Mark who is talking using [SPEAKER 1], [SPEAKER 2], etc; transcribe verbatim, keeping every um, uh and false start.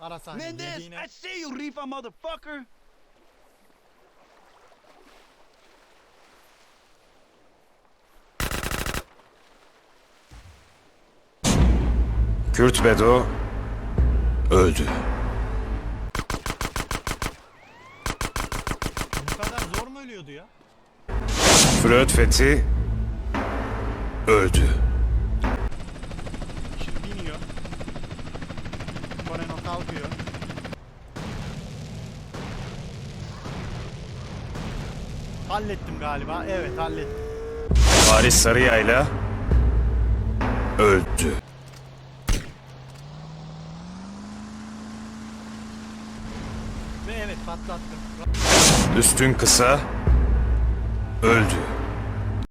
[SPEAKER 1] Ara sahne
[SPEAKER 2] Mendez,
[SPEAKER 1] yediğine.
[SPEAKER 2] I see you, Rifa motherfucker.
[SPEAKER 3] Kürt Bedo öldü.
[SPEAKER 1] Bu kadar zor mu ölüyordu ya?
[SPEAKER 3] Flöt Fethi öldü.
[SPEAKER 1] Şimdi iniyor. Moreno kalkıyor. Hallettim galiba. Evet, hallettim.
[SPEAKER 3] Paris Sarıyayla öldü.
[SPEAKER 1] Ve evet, patlattım.
[SPEAKER 3] Üstün Kısa öldü.